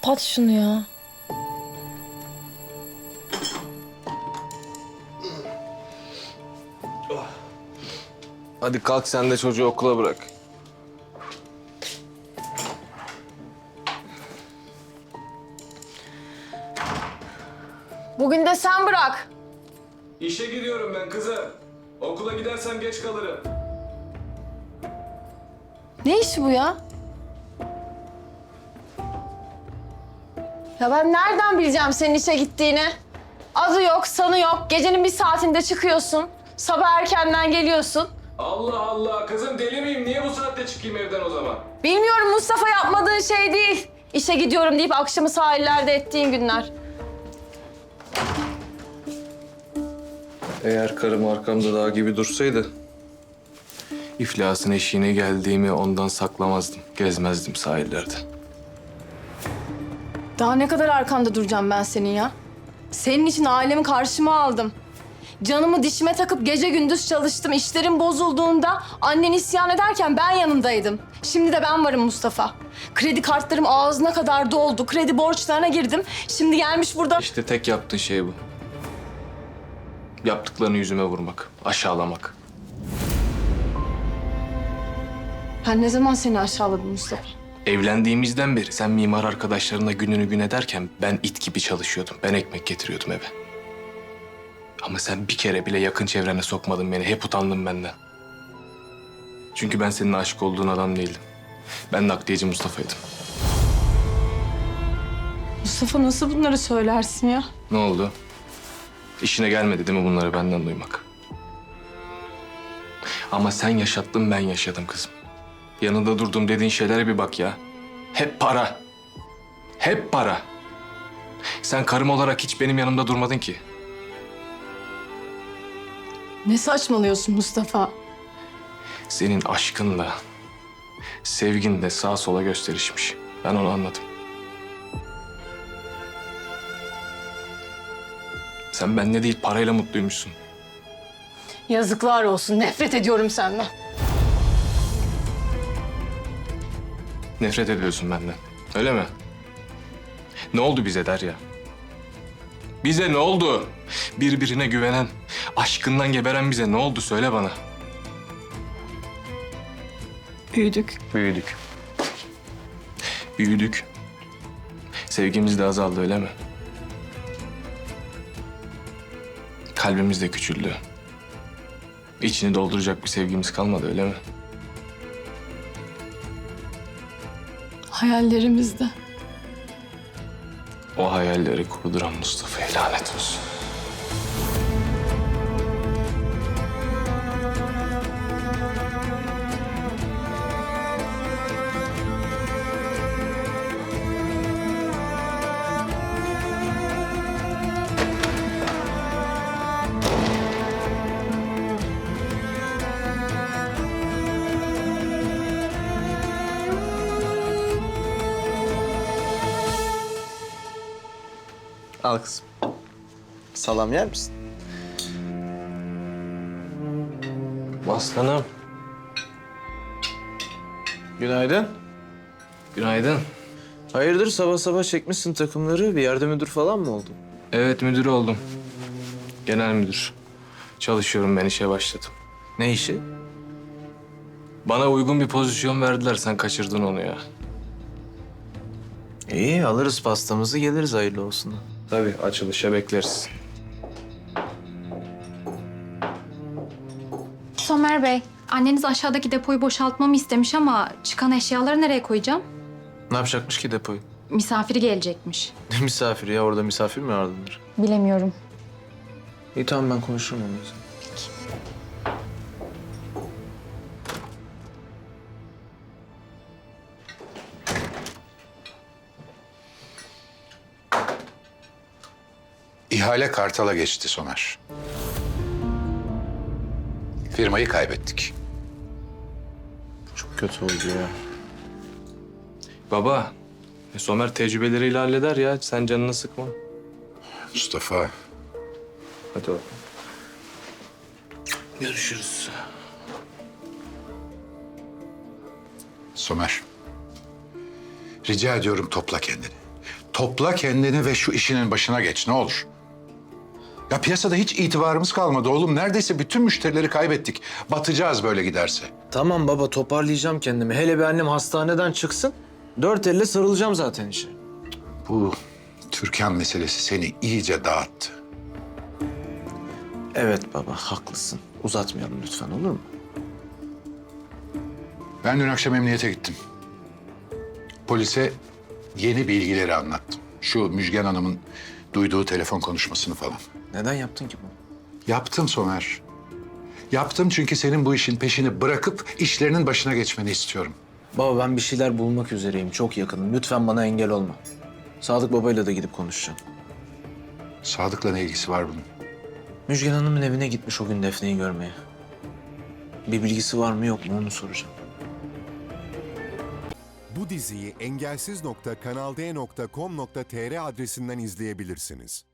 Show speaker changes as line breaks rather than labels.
kapat şunu ya.
Hadi kalk sen de çocuğu okula bırak.
Bugün de sen bırak.
İşe gidiyorum ben kızım. Okula gidersem geç kalırım.
Ne işi bu ya? Ya ben nereden bileceğim senin işe gittiğini? Adı yok, sanı yok. Gecenin bir saatinde çıkıyorsun. Sabah erkenden geliyorsun.
Allah Allah kızım deli miyim? Niye bu saatte çıkayım evden o zaman?
Bilmiyorum, Mustafa, yapmadığın şey değil. İşe gidiyorum deyip akşamı sahillerde ettiğin günler.
Eğer karım arkamda dağ gibi dursaydı... ...iflasın eşiğine geldiğimi ondan saklamazdım. Gezmezdim sahillerde.
Daha ne kadar arkanda duracağım ben senin ya? Senin için ailemi karşıma aldım. Canımı dişime takıp gece gündüz çalıştım. İşlerim bozulduğunda annen isyan ederken ben yanındaydım. Şimdi de ben varım Mustafa. Kredi kartlarım ağzına kadar doldu. Kredi borçlarına girdim. Şimdi gelmiş burada...
İşte tek yaptığın şey bu. Yaptıklarını yüzüme vurmak, aşağılamak.
Ben ne zaman seni aşağıladım Mustafa?
Evlendiğimizden beri sen mimar arkadaşlarınla gününü gün ederken ben it gibi çalışıyordum. Ben ekmek getiriyordum eve. Ama sen bir kere bile yakın çevrene sokmadın beni. Hep utandın benden. Çünkü ben senin aşık olduğun adam değildim. Ben nakliyeci Mustafa'ydım.
Mustafa, nasıl bunları söylersin ya?
Ne oldu? İşine gelmedi değil mi bunları benden duymak? Ama sen yaşattın, ben yaşadım kızım. Yanında durdum dediğin şeylere bir bak ya. Hep para. Hep para. Sen karım olarak hiç benim yanımda durmadın ki.
Ne saçmalıyorsun Mustafa?
Senin aşkınla, sevgin de sağa sola gösterişmiş. Ben onu anladım. Sen benimle değil parayla mutluymuşsun.
Yazıklar olsun. Nefret ediyorum senden.
Nefret ediyorsun benden. Öyle mi? Ne oldu bize Derya? Bize ne oldu? Birbirine güvenen, aşkından geberen bize ne oldu söyle bana.
Büyüdük.
Büyüdük. Büyüdük. Sevgimiz de azaldı öyle mi? Kalbimiz de küçüldü. İçini dolduracak bir sevgimiz kalmadı öyle mi?
Hayallerimizde.
O hayalleri kurduran Mustafa'ya lanet olsun.
Al kızım. Salam yer misin?
Aslanım.
Günaydın.
Günaydın.
Hayırdır sabah sabah çekmişsin takımları? Bir yerde müdür falan mı oldun?
Evet müdür oldum. Genel müdür. Çalışıyorum ben işe başladım.
Ne işi?
Bana uygun bir pozisyon verdiler sen kaçırdın onu ya.
İyi alırız pastamızı geliriz hayırlı olsun.
Tabii açılışa bekleriz.
Somer Bey, anneniz aşağıdaki depoyu boşaltmamı istemiş ama çıkan eşyaları nereye koyacağım?
Ne yapacakmış ki depoyu?
Misafiri gelecekmiş.
Ne misafiri ya orada misafir mi ağırlanır?
Bilemiyorum.
İyi tamam ben konuşurum onunla.
İhale Kartal'a geçti Somer. Firmayı kaybettik.
Çok kötü oldu ya.
Baba, Somer tecrübeleriyle halleder ya. Sen canını sıkma.
Mustafa,
Hadi bakalım. Görüşürüz.
Somer. Rica ediyorum topla kendini. Topla kendini ve şu işinin başına geç ne olur. Ya piyasada hiç itibarımız kalmadı oğlum. Neredeyse bütün müşterileri kaybettik. Batacağız böyle giderse.
Tamam baba, toparlayacağım kendimi. Hele bir annem hastaneden çıksın. 4 elle sarılacağım zaten işe.
Bu Türkan meselesi seni iyice dağıttı.
Evet baba, haklısın. Uzatmayalım lütfen, olur mu?
Ben dün akşam emniyete gittim. Polise yeni bilgileri anlattım. Şu Müjgan Hanım'ın duyduğu telefon konuşmasını falan.
Neden yaptın ki bunu?
Yaptım Somer. Yaptım çünkü senin bu işin peşini bırakıp işlerinin başına geçmeni istiyorum.
Baba ben bir şeyler bulmak üzereyim. Çok yakınım. Lütfen bana engel olma. Sadık babayla da gidip konuşacağım.
Sadık'la ne ilgisi var bunun?
Müjgan Hanım'ın evine gitmiş o gün Defne'yi görmeye. Bir bilgisi var mı yok mu onu soracağım.
Bu diziyi engelsiz.kanalde.com.tr adresinden izleyebilirsiniz.